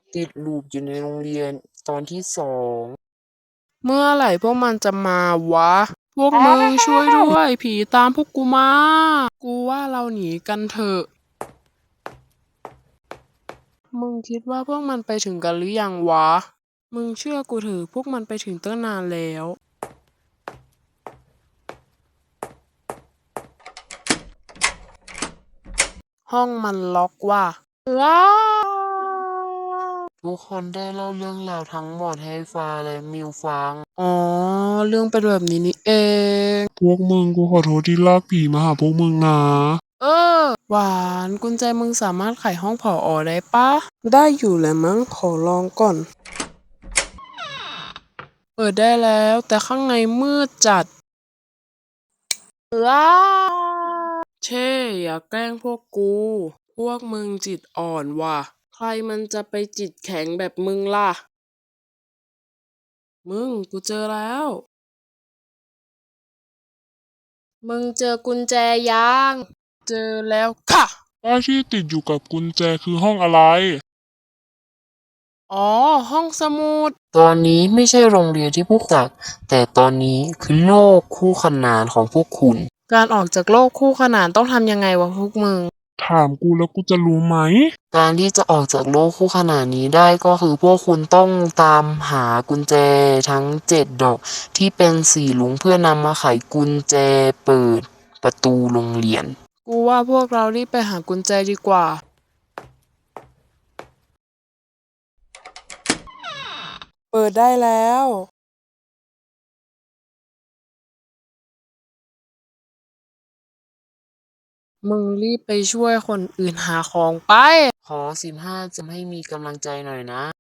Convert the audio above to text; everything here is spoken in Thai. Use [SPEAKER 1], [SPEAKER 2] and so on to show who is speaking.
[SPEAKER 1] ติดลูปอยู่ในโรงเรียนตอนที่2
[SPEAKER 2] เมื่อไหร่พวกมันจะมาวะ พวกมึงช่วยด้วย ผีตามพวกกูมา กูว่าเราหนีกันเถอะ มึงคิดว่าพวกมันไปถึงกันหรือยังวะ มึงเชื่อกูเถอะพวกมันไปถึงตั้งนานแล้ว ห้องมันล็อกว่ะว้าว
[SPEAKER 1] ทุกคนได้เล่าเรื่องราวทั้งหมดให้ฟ้าและมิวฟัง
[SPEAKER 2] อ๋อ เรื่องเป็นแบบนี้นี่เอง
[SPEAKER 3] พวกมึงกูขอโทษที่ลากผีมาหาพวกมึงนะ
[SPEAKER 2] เออ หวานกุญแจมึงสามารถไขห้องผอได้ปะ ได้อยู่แหละมั้งขอลองก่อน เปิดได้แล้วแต่ข้างในมืดจัดว้าเช่อย่าแกล้งพวกกู พวกมึงจิตอ่อนว่ะ ใครมันจะไปจิตแข็งแบบมึงล่ะ มึงกูเจอแล้ว มึงเจอกุญแจยัง เจอแล้วค่ะ
[SPEAKER 3] ป้ายที่ติดอยู่กับกุญแจคือห้องอะไร
[SPEAKER 2] อ๋อ ห้องสมุด
[SPEAKER 1] ตอนนี้ไม่ใช่โรงเรียนที่พวกจากแต่ตอนนี้คือโลกคู่ขนานของพวกคุณ
[SPEAKER 2] การออกจากโลกคู่ขนานต้องทำยังไงวะพวกมึง
[SPEAKER 3] ถามกูแล้วกูจะรู้ไหม
[SPEAKER 1] การที่จะออกจากโลกคู่ขนานนี้ได้ก็คือพวกคุณต้องตามหากุญแจทั้ง7 ดอกที่เป็นสีลุงเพื่อนำมาไขกุญแจเปิดประตูโรงเรียน
[SPEAKER 2] กูว่าพวกเรารีบไปหากุญแจดีกว่า เปิดได้แล้ว มึงรีบไปช่วยคนอื่นหาของไป
[SPEAKER 1] ขอ15จะให้มีกำลังใจหน่อยนะ